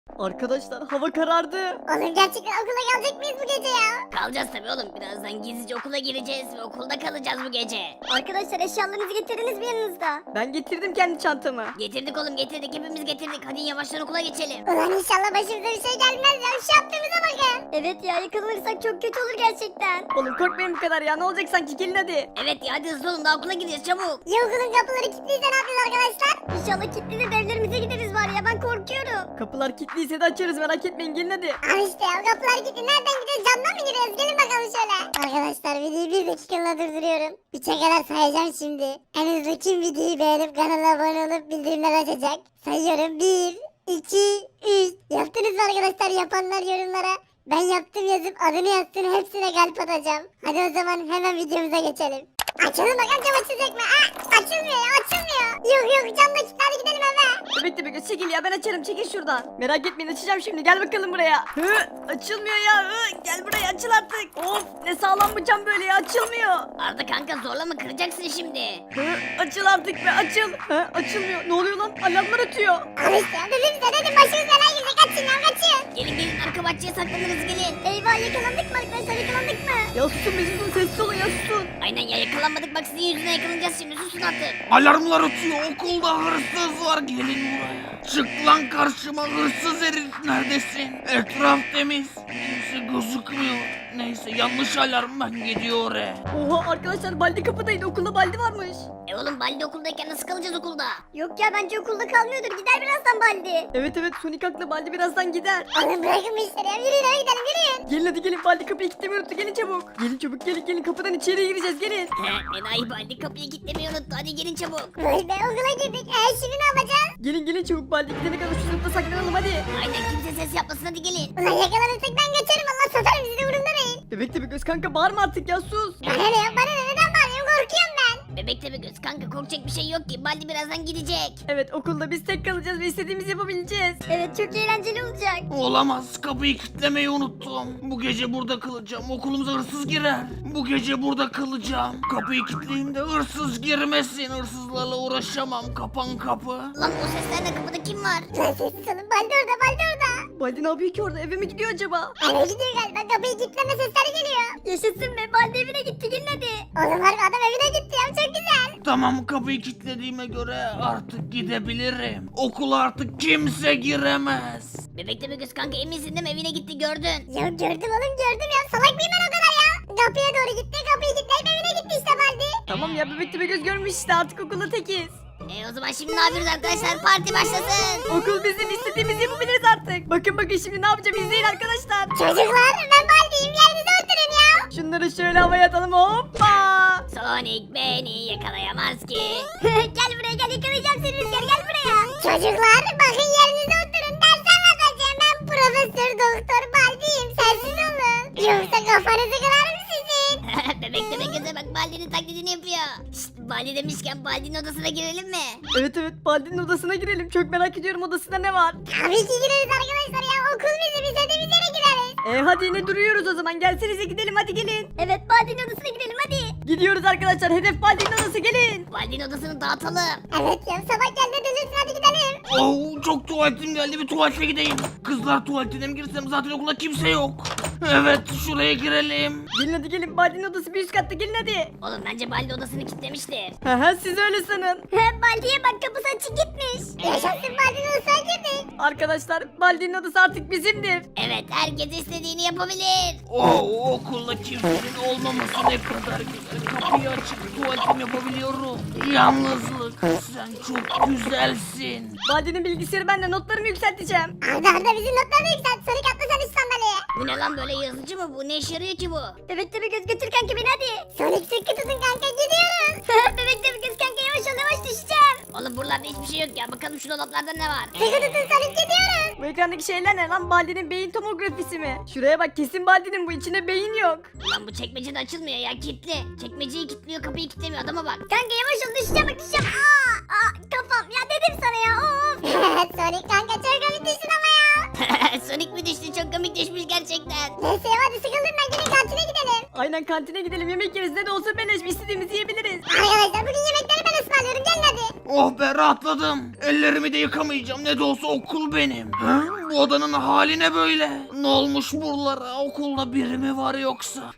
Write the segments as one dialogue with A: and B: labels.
A: Arkadaşlar hava karardı.
B: Oğlum gerçekten okula gelecek miyiz bu gece ya?
C: Kalacağız tabii oğlum. Birazdan gizlice okula gireceğiz ve okulda kalacağız bu gece.
B: Arkadaşlar eşyalarınızı getirdiniz mi yanınızda?
A: Ben getirdim kendi çantamı.
C: Getirdik oğlum getirdik. Hepimiz getirdik. Hadi yavaştan okula geçelim.
B: Ulan inşallah başımıza bir şey gelmez ya. Şu yaptığımıza bakın. Evet ya yakalanırsak çok kötü olur gerçekten.
A: Oğlum korkmayın bu kadar ya, ne olacak sanki, gelin hadi.
C: Evet ya hadi hızlı olun. Daha okula gideceğiz çabuk.
B: Ya okulun kapıları kilitliyse ne yapacağız arkadaşlar? İnşallah kilitlidir de evlerimize gideriz var ya ben korkuyorum.
A: Kapılar kilitliyse de açarız, merak etmeyin, gelin hadi.
B: Al işte ya kapılar kilitli. Nereden gideceğiz? Camdan mı giriyoruz? Gelin bakalım şöyle. Arkadaşlar videoyu bir dakikalığına durduruyorum. 3'e kadar sayacağım şimdi. En hızlı kim videoyu beğenip kanala abone olup bildirimler açacak? Sayıyorum 1, 2, 3. Yaptınız mı arkadaşlar? Yapanlar yorumlara ben yaptım yazıp adını yazsın, hepsine kalp atacağım. Hadi o zaman hemen videomuza geçelim. Açalım bakalım cam açılacak mı? Açılmıyor ya açılmıyor. Yok cam da kilitli, hadi gidelim eve.
A: Bekle bekle, çekil ya, ben açarım, çekil şuradan. Merak etmeyin, açacağım şimdi, gel bakalım buraya. Açılmıyor ya, gel buraya, açıl artık. Of, ne sağlam bu cam böyle ya, açılmıyor.
C: Arda kanka zorlama kıracaksın şimdi.
A: Açıl artık be, açıl. Açılmıyor, ne oluyor lan, alarmlar ötüyor.
B: Al işte ya dedim size dedim başımız belaya girecek, kaçın ya kaçın.
C: Gelin arka bahçeye saklanırız gelin.
B: Eyvah yakalandık mı arkadaşlar, yakalandık mı?
A: Ya susun be, susun, sessiz olun ya, susun.
C: Aynen ya yakalanmadık bak sizin yüzünden yakalanacağız şimdi susun artık.
D: Alarmlar ötüyor, okulda hırsız var, gelin buraya. Çık lan karşıma hırsız herif, neredesin? Etraf temiz, kimse gözükmüyor. Neyse yanlış alarm, ben gidiyor oraya.
A: Oha arkadaşlar, Baldi kapıdaydı, okulda Baldi varmış.
C: Oğlum Baldi okuldayken nasıl kalacağız okulda?
B: Yok ya bence okulda kalmıyordur, gider birazdan Baldi.
A: Evet Sonic haklı, Baldi birazdan gider.
B: Oğlum bırakın bu işleri ya, yürüyün eve gidelim yürüyün.
A: Gelin hadi gelin, Baldi kapıyı kilitlemeyi unuttu, gelin çabuk. Gelin çabuk, gelin kapıdan içeriye gireceğiz, gelin.
C: Enayi Baldi kapıyı kilitlemeyi unuttu hadi gelin çabuk.
B: Vay be okula girdik, şimdi ne yapacağız?
A: Gelin çabuk, Baldi gidene kadar şu sınıfta saklanalım hadi.
C: Aynen kimse ses yapmasın hadi gelin.
B: Ulan yakalanırsak ben kaçarım, Allah satarım sizi, umurumda değil.
A: Bebek de bir göz kanka, bağırma artık ya, sus.
B: Bana ne ya bana ne, neden bağırıyorum, korkuyorum ben.
C: Bebek de bir göz kanka korkacak bir şey yok ki Baldi birazdan gidecek.
A: Evet, okulda biz tek kalacağız ve istediğimizi yapabileceğiz.
B: Evet çok eğlenceli olacak.
D: Olamaz, kapıyı kilitlemeyi unuttum. Bu gece burada kalacağım, okulumuza hırsız girer. Bu gece burada kalacağım. Kapıyı kilitleyeyim de hırsız girmesin, hırsızlarla uğraşamam. Kapan kapı.
C: Lan o seslerde kapıda kim var?
B: Lan sessiz olun, Baldi orada.
A: Baldi ne yapıyor ki orada, eve mi gidiyor acaba?
B: Eve gidiyor galiba, kapıyı kilitleme sesleri geliyor. Yaşasın be, Baldi evine gitti, gelin hadi. Oğlum harbi adam evine gitti ya, çok güzel.
D: Tamam, kapıyı kilitlediğime göre artık gidebilirim. Okula artık kimse giremez.
C: Bebek de bir göz kanka eminsin değil mi evine gitti gördün.
B: Ya gördüm oğlum gördüm ya, salak mıyım ben o kadar ya? Kapıya doğru gitti, kapıyı kilitleyip evine gitti işte Baldi.
A: Tamam ya, bebek de bir göz görmüş işte, artık okulda tekiz.
C: O zaman şimdi ne yapıyoruz arkadaşlar parti başlasın.
A: Okul bizim, istediğimizi yapabiliriz artık. Bakın şimdi ne yapacağım, izleyin arkadaşlar.
B: Çocuklar ben Baldi'yim, yerinize oturun ya.
A: Şunları şöyle havaya atalım, hoppa.
C: Sonic beni yakalayamaz ki.
B: Gel buraya gel, yakalayacağım seni Rüzgar, gel buraya. Çocuklar bakın yerinize oturun, ders anlatacağım, ben Profesör Doktor Baldi'yim, sensiz olun. Yoksa kafanızı kırarım sizin.
C: Bebek de bir göze bak Baldi'nin taklidini yapıyor. Şşt Baldi demişken Baldi'nin odasına girelim mi?
A: Evet Baldi'nin odasına girelim, çok merak ediyorum odasında ne var.
B: Tabii ki gireriz arkadaşlar ya, okul bizim, istediğimiz yere gireriz.
A: Hadi yine duruyoruz o zaman, gelsenize gidelim, hadi gelin.
B: Evet Baldi'nin odasına gidelim hadi.
A: Gidiyoruz arkadaşlar, hedef Baldi'nin odası, gelin.
C: Baldi'nin odasını dağıtalım.
B: Evet ya sabah geldi delirsin, hadi gidelim.
D: Oh, çok tuvaletim geldi, bir tuvalete gideyim. Kızlar tuvaletine mi girsem, zaten okulda kimse yok. Evet, şuraya girelim.
A: Gelin hadi gelin, Baldi'nin odası bir üst katta, gelin hadi.
C: Oğlum bence Baldi odasını kilitlemiştir.
A: Siz öyle sanın.
B: Baldi'ye bak, kapısı açık gitmiş. Yaşasın, Baldi'nin odasına girdik.
A: Arkadaşlar Baldi'nin odası artık bizimdir.
C: Evet herkes istediğini yapabilir.
D: Oh, okulda kimsenin olmaması ne kadar güzel. Kapıyı açıp tuvaletimi yapabiliyorum. Yalnızlık, sen çok güzelsin.
A: Baldi'nin bilgisayarı, ben de notlarımı yükselteceğim.
B: Arda bizim notlarını yükselt, Sonic atla sen üst sandalyeye.
C: Bu ne lan böyle yazıcı mı bu ne işe yarıyor ki bu?
B: Bebek de bir göz götür kanka beni hadi. Sonic sıkı tutun kanka, gidiyoruz. Bebek de bir göz kanka, yavaş ol yavaş, düşeceğim.
C: Oğlum buralarda hiçbir şey yok ya bakalım şu dolaplarda ne var?
B: Sıkı tutun Sonic, gidiyoruz.
A: Bu ekrandaki şeyler ne lan, Baldi'nin beyin tomografisi mi? Şuraya bak, kesin Baldi'nin bu, içinde beyin yok.
C: Ulan bu çekmece de açılmıyor ya kilitli. Çekmeceyi kilitliyor kapıyı kilitlemiyor adama bak.
B: Kanka yavaş ol, düşeceğim bak, düşeceğim. Kafam ya, dedim sana ya, of. Sonic kanka çok komik düştün ama ya.
C: Sonic mi düştü çok komik düşmüş gerçekten.
B: Neyse ya, hadi sıkıldım ben, gelin kantine gidelim.
A: Aynen, kantine gidelim, yemek yeriz, ne de olsa beleş, istediğimizi yiyebiliriz.
B: Arkadaşlar bugün yemekleri ben ısmarlıyorum, gelin hadi.
D: Oh be rahatladım. Ellerimi de yıkamayacağım. Ne de olsa okul benim. Ha? Bu odanın hali ne böyle? Ne olmuş buralara? Okulda biri mi var yoksa?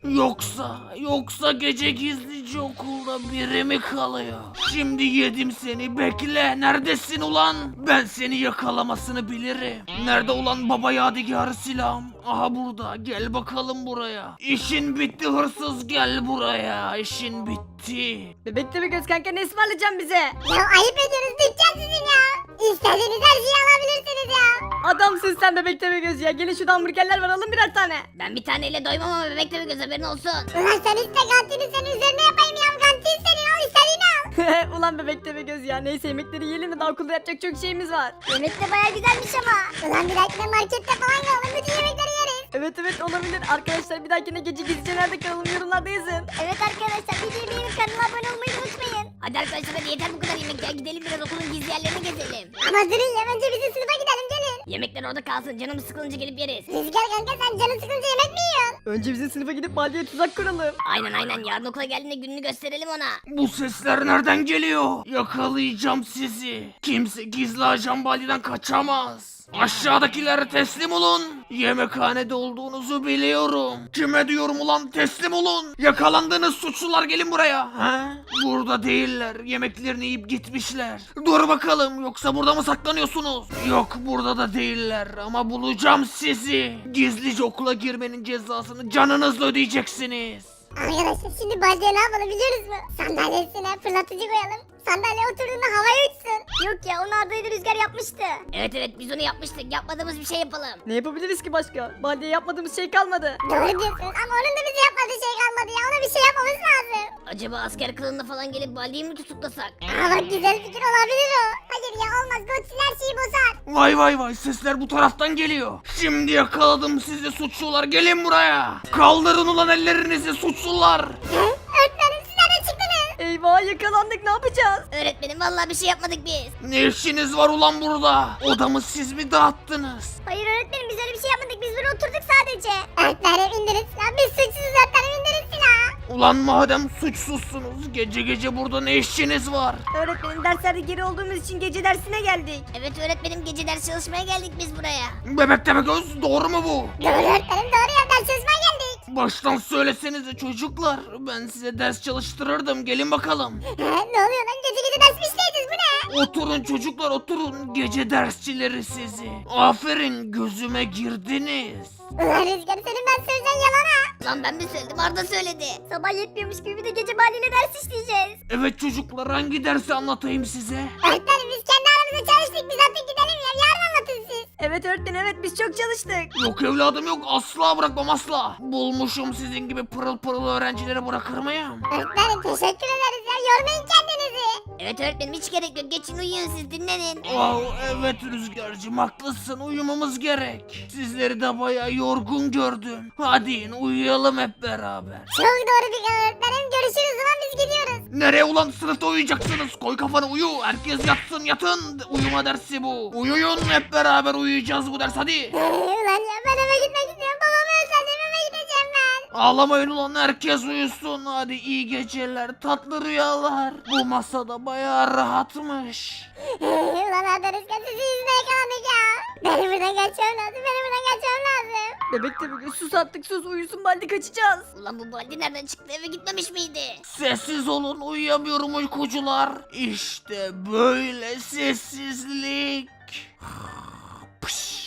D: Yoksa gece gizlice okulda biri mi kalıyor? Şimdi yedim seni. Bekle. Neredesin ulan? Ben seni yakalamasını bilirim. Nerede ulan baba yadigarı silahım? Aha burada. Gel bakalım buraya. İşin bitti hırsız, gel buraya. İşin bitti.
A: Bebek Tepegöz kanka ne ısmarlayacaksın bize?
B: Ya ayıp ediyoruz dükkan sizin ya. İstediğiniz her şeyi alabilirsiniz ya.
A: Adamsın sen Bebek Tepegöz ya. Gelin şurada hamburgerler var alın birer tane.
C: Ben bir taneyle doymam ama bebek tabii göz haberin olsun.
B: Ulan sen iste kantini senin üzerine yapayım ya. Kantin senin al istediğini al.
A: Ulan Bebek Tepegöz ya. Neyse yemekleri yiyelim de daha okulda yapacak çok şeyimiz var.
B: Yemek de baya güzelmiş ama. Ulan bir dakika markette falan kalalım bütün yemekleri yeriz.
A: Evet olabilir. Arkadaşlar bir dahakine gece gizlice nerede kalalım yorumlarda yazın.
B: Evet arkadaşlar videoyu beğenip kanala abone olmayı unutmayın.
C: Hadi arkadaşlar hadi yeter bu kadar yemek ya. Gidelim biraz okulun gizli yerlerine gezelim.
B: Ama durun ya önce bizim sınıfa gidelim gelin.
C: Yemekler orada kalsın. Canımız sıkılınca gelip yeriz.
B: Rüzgar kanka sen canın sıkınca yemek mi yiyorsun?
A: Önce bizim sınıfa gidip Baldi'ye tuzak kuralım.
C: Aynen. Yarın okula geldiğinde gününü gösterelim ona.
D: Bu sesler nereden geliyor? Yakalayacağım sizi. Kimse gizli ajan Baldi'den kaçamaz. Aşağıdakiler teslim olun. Yemekhanede olduğunuzu biliyorum. Kime diyorum ulan teslim olun. Yakalandığınız suçlular gelin buraya. Ha? Burada değiller. Yemeklerini yiyip gitmişler. Dur bakalım yoksa burada mı saklanıyorsunuz? Yok burada da değiller ama bulacağım sizi. Gizlice okula girmenin cezasını canınızla ödeyeceksiniz.
B: Arkadaşlar şimdi Baldi'ye ne yapalım biliyoruz mu? Sandalyesine fırlatıcı koyalım. Sandalye oturduğunda havaya uçsun. Yok ya onu Arda'yla Rüzgar yapmıştı.
C: Evet biz onu yapmıştık. Yapmadığımız bir şey yapalım.
A: Ne yapabiliriz ki başka? Baldi'ye yapmadığımız şey kalmadı.
B: Doğru diyorsun ama onun da bize yapmadığı şey kalmadı ya. Ona bir şey yapmamız lazım.
C: Acaba asker kılığında falan gelip Baldi'yi mi tutuklasak?
B: Aa bak güzel fikir olabilir o. Hayır ya olmaz. Godzilla her şeyi bozar.
D: Vay sesler bu taraftan geliyor. Şimdi yakaladım sizi suçlular gelin buraya. Kaldırın ulan ellerinizi suçlular.
B: Öğretmenim siz nereden çıktınız?
A: Eyvah yakalandık ne yapacağız?
C: Öğretmenim vallahi bir şey yapmadık biz.
D: Ne işiniz var ulan burada? Odamı siz mi dağıttınız?
B: Hayır öğretmenim biz öyle bir şey yapmadık. Biz burada oturduk sadece. Öğretmenim indirin silahı. Biz suçsuzuz öğretmenim indirin silahı.
D: Ulan madem suçsuzsunuz gece burada ne işiniz var?
A: Öğretmenim derslerde geri olduğumuz için gece dersine geldik.
C: Evet öğretmenim gece ders çalışmaya geldik biz buraya.
D: Bebek Tepegöz doğru mu bu?
B: Doğru öğretmenim doğru ya. Ders çalışmaya geldik.
D: Baştan söylesenize çocuklar. Ben size ders çalıştırırdım gelin bakalım.
B: Ne oluyor lan? Gece ders mi işleydiniz bu ne?
D: Oturun çocuklar oturun gece dersçileri sizi. Aferin gözüme girdiniz.
B: Ulan Rüzgar senin ben söyleyeceğin yalana.
C: Lan ben mi söyledim Arda söyledi.
B: Sabah yetmiyormuş gibi bir de gece mahalline ders işleyeceğiz.
D: Evet çocuklar hangi dersi anlatayım size?
B: Öğretmenim biz kendi aramızda çalıştık. Biz artık gidelim ya. Yarın anlatın siz.
A: Evet öğretmenim evet biz çok çalıştık.
D: Yok evladım yok asla bırakmam asla. Bulmuşum sizin gibi pırıl pırıl öğrencileri bırakır mıyım?
B: Öğretmenim teşekkür ederiz ya. Yormayın kendinizi.
C: Evet öğretmenim hiç gerek yok. Geçin uyuyun siz dinlenin.
D: Evet Rüzgar'cığım haklısın uyumamız gerek. Sizleri de bayağı yorgun gördüm. Hadi in, uyuyalım hep beraber.
B: Çok doğru bir karar öğretmenim. Görüşürüz o zaman biz gidiyoruz.
D: Nereye ulan sınıfta uyuyacaksınız? Koy kafanı uyu. Herkes yatsın yatın. Uyuma dersi bu. Uyuyun hep beraber uyuyacağız bu ders hadi.
B: Ulan ya ben eve gitmek istiyorum. Babamı özledim eve gideceğim ben.
D: Ağlamayın ulan herkes uyusun. Hadi iyi geceler tatlı rüyalar. Bu masada bayağı rahatmış.
B: Ulan Arda Rüzgar sizi yüzüne yakalandık ya. Benim buradan kaçmam lazım. Benim buradan kaçmam lazım.
A: Bebek Tepegöz sus artık sus uyusun Baldi kaçacağız.
C: Ulan bu Baldi nereden çıktı eve gitmemiş miydi?
D: Sessiz olun uyuyamıyorum uykucular. İşte böyle sessizlik. Pış.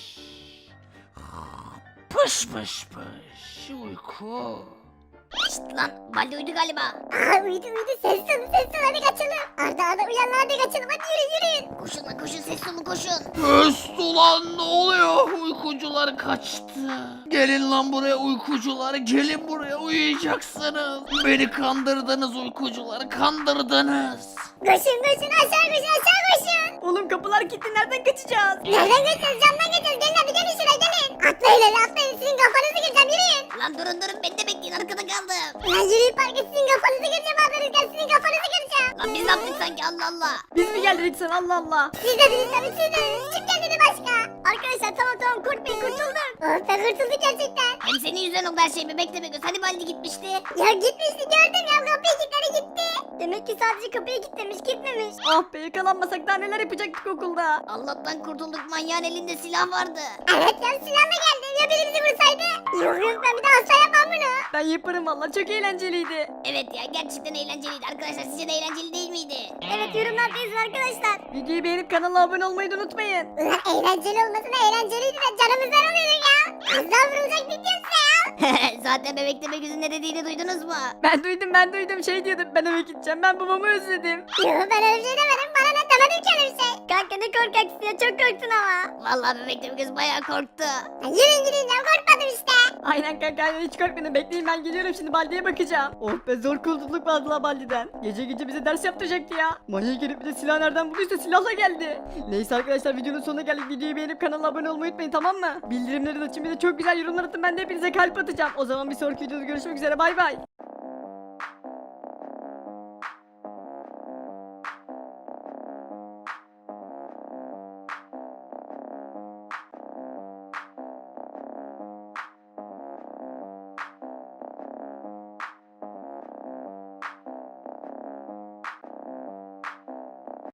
D: Pış pış pış uyku.
C: Şşt lan Baldi uyudu galiba.
B: Aa uyudu ses olun hadi kaçalım. Arda uyan hadi kaçalım hadi yürüyün.
C: Koşun lan koşun ses olun koşun.
D: Öst ulan ne oluyor? Uykucular kaçtı. Gelin lan buraya uykucular. Gelin buraya uyuyacaksınız. Beni kandırdınız uykucular. Kandırdınız.
B: Koşun aşağı koşun.
A: Oğlum kapılar kilitli nereden kaçacağız?
B: Nereden kaçacağız camdan kaçacağız. Gelin hadi gelin şuraya gelin. Atlayın hadi atlayın sizin kafanızı kıracağım yürüyün.
C: Lan durun beni de bekleyin arkada kaldım.
B: Ulan yürüyün parka sizin kafanızı kıracağım Arda Rüzgar sizin kafanızı kıracağım.
C: Lan biz ne yaptık sanki Allah Allah.
A: Biz mi geldik sen Allah Allah.
B: Siz dediniz tabii siz dediniz. Kim geldi başka? Arkadaşlar tamam korkmayın kurtulduk. Oh be kurtulduk gerçekten.
C: Hem senin yüzünden oldu her şey bebek de göz. Hani Baldi gitmişti.
B: Ya gitmişti gördüm ya kapıyı kilitledi gitti. Demek ki sadece kapıyı kilitlemiş gitmemiş.
A: Ah be, yakalanmasak daha neler yapacaktık okulda.
C: Allah'tan kurtulduk, manyağın elinde silah vardı.
B: Evet ya silahla geldi ya birimizi vursaydı. Yok ben bir daha asla yapmam bunu.
A: Ben yaparım valla, çok eğlenceliydi.
C: Evet ya, gerçekten eğlenceliydi. Arkadaşlar sizce de eğlenceli değil miydi?
B: Evet yorumlarda yazın arkadaşlar.
A: Videoyu beğenip kanala abone olmayı da unutmayın.
B: Ulan eğlenceli olmasına eğlenceliydi de canımızdan alıyorduk ya. Az daha vurulacak diyorsa ya.
C: Zaten bebek demek yüzün ne dediğini duydunuz mu?
A: Ben duydum şey diyordum, ben eve gideceğim, ben babamı özledim.
B: Yok ben öyle bir şey demedim. Bana ne demedim ki öyle bir şey. Kanka ne korkaksın ya çok korktun ama.
C: Vallahi bebek demek kız bayağı korktu.
B: Ya yürüyün gidin ya korkmadım işte.
A: Aynen kanka, aynen, hiç korkmayın, bekleyin, ben geliyorum şimdi, Baldi'ye bakacağım. Oh be, zor kurtulduk vallahi Baldi'den. Gece gece bize ders yaptıracaktı ya. Manyak gelip bir de silah nereden bulduysa silahla geldi. Neyse arkadaşlar, videonun sonuna geldik. Videoyu beğenip kanala abone olmayı unutmayın, tamam mı? Bildirimleri de açın, bir de çok güzel yorumlar atın, ben de hepinize kalp atacağım. O zaman bir sonraki videoda görüşmek üzere, bay bay.